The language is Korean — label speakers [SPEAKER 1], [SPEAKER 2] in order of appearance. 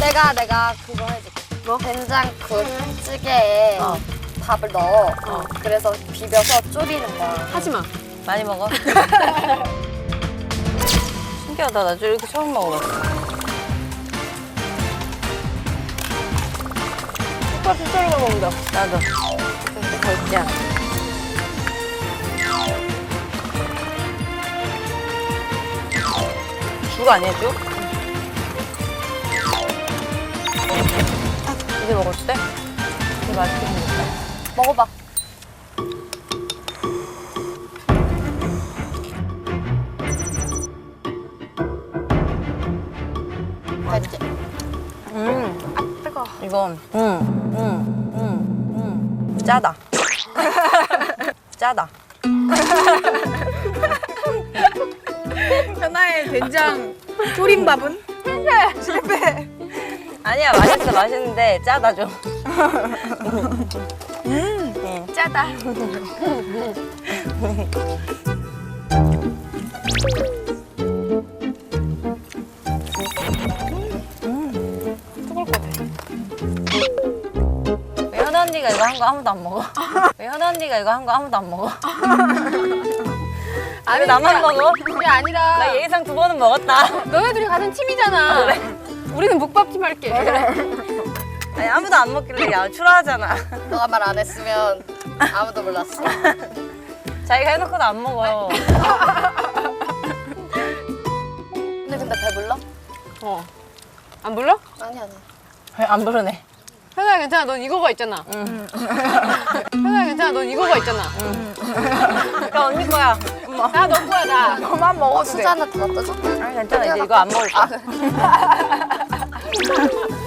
[SPEAKER 1] 내가 그거 해줄게. 뭐? 된장국 찌개에 밥을 넣어. 그래서 비벼서 졸이는 거야.
[SPEAKER 2] 하지마.
[SPEAKER 3] 많이 먹어? 신기하다. 나 이렇게 처음 먹어봤어.
[SPEAKER 2] 오빠 진짜로만 먹는다.
[SPEAKER 3] 나도. 걸자. 죽 아니야, 죽? 이제 먹어도 돼? 이거 맛있게 생겼다.
[SPEAKER 1] 먹어봐. 맛있지?
[SPEAKER 2] 뜨거.
[SPEAKER 3] 이건, 짜다. 짜다.
[SPEAKER 4] 현아의 된장 조림밥은? 실패.
[SPEAKER 3] 아니야, 맛있어, 맛있는데 짜다 좀.
[SPEAKER 4] 짜다.
[SPEAKER 3] 왜 현아 언니가 이거 한 거 아무도 안 먹어? 왜 현아 언니가 이거 한 거 아무도 안 먹어? 왜 나만 먹어?
[SPEAKER 2] 그게 아니라
[SPEAKER 3] 나 예의상 2번은 먹었다.
[SPEAKER 2] 너네들이 같은 팀이잖아.
[SPEAKER 3] 그래?
[SPEAKER 2] 우리는 묵밥팀 할게.
[SPEAKER 3] 아니 아무도 안 먹길래 야 추라하잖아.
[SPEAKER 1] 너가 말 안 했으면 아무도 몰랐어.
[SPEAKER 3] 자기가 해놓고도 안 먹어.
[SPEAKER 1] 근데 배불러?
[SPEAKER 2] 안 불러?
[SPEAKER 1] 아니.
[SPEAKER 3] 왜 안 부르네?
[SPEAKER 2] 현아야 괜찮아. 넌 이거가 있잖아. 현아야 괜찮아. 넌 이거가 있잖아.
[SPEAKER 3] 그러니까 언니 거야. 엄마.
[SPEAKER 2] 나 너 거야 나.
[SPEAKER 4] 너만 먹어도 돼.
[SPEAKER 1] 수저 하나 더 놔둬줘.
[SPEAKER 3] 아니 괜찮아 이제 이거 안 먹을 거야.